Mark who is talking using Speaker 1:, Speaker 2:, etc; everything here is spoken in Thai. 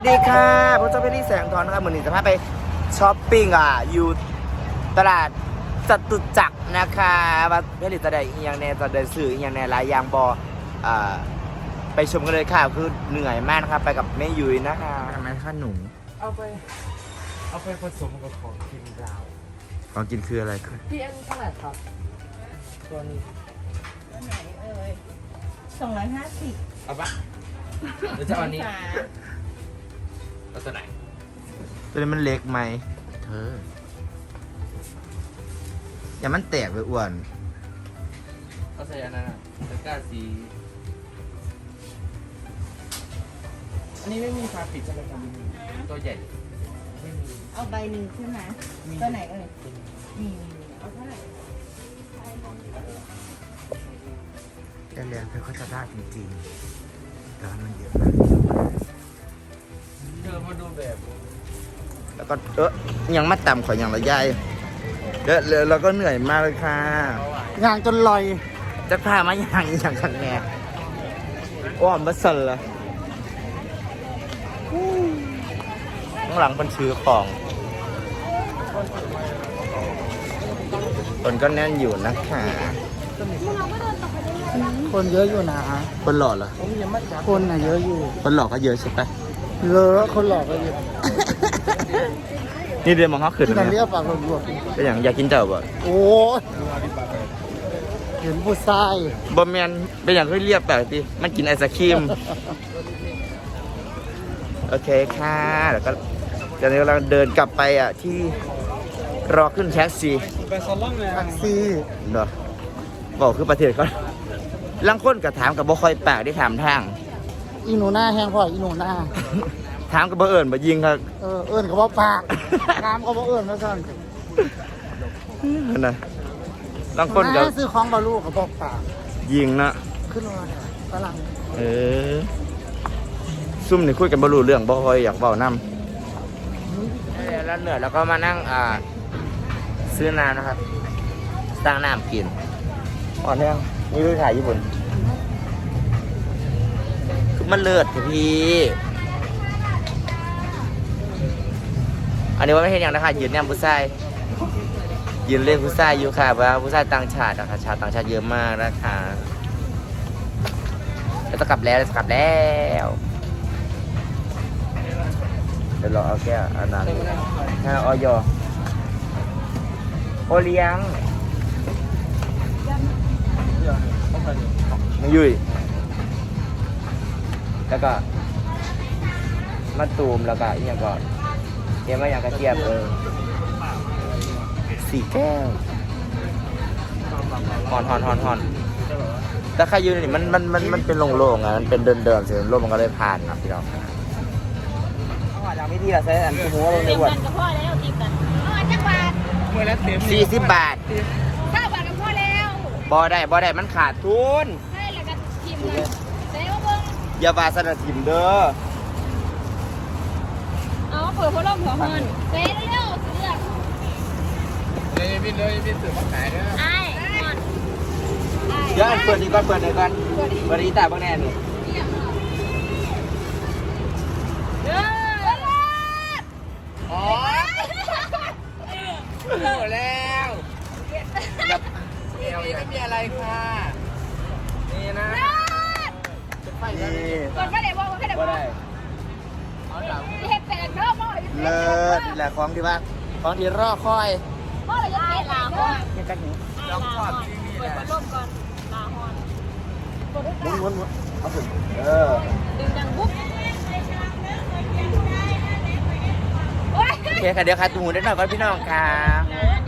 Speaker 1: ดีค่ะพระเจ้าเพชรแสงทองนะครับเหมือนหนึ่งจะพาไปช้อปปิ้งอยู่ตลาดจตุจักรนะคะว่าเพชรจะได้อีกอย่างแน่จะได้สื่ออีกอย่างแน่หลายอย่างไปชมกันเลยค่ะคือเหนื่อยมากนะครับไปกับแม่ยุ้ยนะคะทำไมคะหนู
Speaker 2: เอาไปผสมกับของกินดาว
Speaker 1: ของกินคืออะไรคือ
Speaker 2: พี่อันเท่าไหร่ครับตัวนี้
Speaker 3: ตัวไหนเอ่ย250
Speaker 2: เอาปะหรือจะเอาอันนี้เอาตัวไหน
Speaker 1: ตัวนี้มันเล็กไหมเธออย่ามันแตกไปอ้วน
Speaker 2: เอาใส่อันนั้นตะกร้าสีอันนี้ไม่มีฝาปิดใช่ไหมครับตัวใหญ่ไม่มี
Speaker 3: เอาใบหนึ่งใช่ไหมตัวไหนเอ่ยมีเอาเท่าไหร่
Speaker 1: แต่เรียนเธอเขาจะได้จริงๆแต่มันเยอะมาก
Speaker 2: เธอมาดูแบบ
Speaker 1: แล้วก็ยังมาต่ำขออย่างละยายแล้วก็เหนื่อยมากเลยค่ะย่างจนลอยจะพามาย่างอย่างขังแง่อ้อมบัสสันละข้างหลังเป็นชื่อของคนก็แน่นอยู่นะคะ
Speaker 4: คนเยอะอยู่นะ
Speaker 1: คนหล่อเหรอ
Speaker 4: คนน่ะเยอะอยู่
Speaker 1: คนหล่อก็เยอะใช่ปะ
Speaker 4: เยอะคนหลอกก็เยอะ
Speaker 1: นี่เรียนมองเขาขึ้น
Speaker 4: ที่
Speaker 1: เล
Speaker 4: นั่นเรีย
Speaker 1: ย
Speaker 4: กปากรวม
Speaker 1: ก็อย่างอยากกินเจ้าบ่
Speaker 4: โอ้เห็นผู้ชาย
Speaker 1: บะเมียนเป็นอย่างที่เรียบแบบที่มันกินไอศครีมโอเคค่ะแล้วก็ตอนนี้เราเดินกลับไปที่รอขึ้นแท็กซี่
Speaker 4: แท็กซี่
Speaker 1: เนาะบอกคือประเทศเขาลังค้นกับถามกับบ่คอยปากได้ถามทาง
Speaker 4: อีหนูหน้าแห้งพ่ออีหนูหน้า
Speaker 1: ถามกับบ่เอิญบ่ยิงครับ
Speaker 4: เอิญกับบ่ปากน้ำกับบ่เอิญนะท่าน
Speaker 1: นะลังค้นกับ
Speaker 4: ซื้อของบาลูกับบ่ปาก
Speaker 1: ยิงนะ
Speaker 4: ขึ้นมาฝรั่ง
Speaker 1: ซุ่มนี่คุยกันบ่รู้เรื่องบ่คอยอยากเว้านำแล้วเหนื่อยแล้วก็มานั่งซื้อน้ำนะครับตั้งน้ำกินอ่อนแรงนี่คือขายญี่ปุ่นคือมันเลิศพี่อันนี้ว่าไม่เห็นอย่างนะคะยืนเนี่ยผู้ชายยืนเล่นผู้ชายอยู่ค่ะว่าผู้ชายต่างชาตินะคะชาวต่างชาติเยอะมากนะคะจะกลับแล้วจะกลับแล้วเดี๋ยวรอเอาแก้วอันนั้นออยโอเลี้ยงไม่ยุ่ยแล้วก็มะตูมแล้วก็อีกอย่างก่อนเกี่ยวกับอย่างกระเทียม4 แก้วหอนแต่ใครยืนนี่มันเป็นโล่งๆมันเป็นเดินเสียงลมมันก็เลยผ่านครับพี่น้องอย่างไม่ดีละใช้อันหัวลงในวัน
Speaker 3: ตีกันกับพ่อแล้วตีกันจังหวัด
Speaker 2: เมื่อแล้วเต็ม
Speaker 1: 40 บาท
Speaker 3: 9 บาทกับพ่อแล้ว
Speaker 1: บ่ได้มันขาดทุน
Speaker 3: ใช่แล้วก็ทิมเลยเซ่ว่าเบิ้ง
Speaker 1: อย่าว่าสนับทิมเด้อ
Speaker 3: เอาเปิดพัดลมหัวเงินเซ่เร็วเลือก
Speaker 2: เลยพี่สื่อมาขายเด้อ
Speaker 3: ไอ้
Speaker 1: เดี๋ยวเปิดนี่ก่อนเปิดนี่ตาบ้างแน่นี่
Speaker 2: อ๋อหมดแล้วไม่มีอะไรค่ะนี่นะ
Speaker 3: กดไม่ได้บอกไม่ได้บอกเห็ดแปดเนาะพ่อ
Speaker 1: เลิศแหละของที่ว่าของที่รอคอย
Speaker 3: พ่อเราจะเห็ดลาพ่อ
Speaker 1: เห็ดกันหนู
Speaker 2: ลองทอด
Speaker 3: เปิดพัดลมก่อนลาฮอน
Speaker 1: ม้วนเอาถึง
Speaker 3: ดึงดังปุ๊บ
Speaker 1: โอเคค่ะเดี๋ยวค่ะตูนได้หน่อยก่อนพี่น้องค่ะ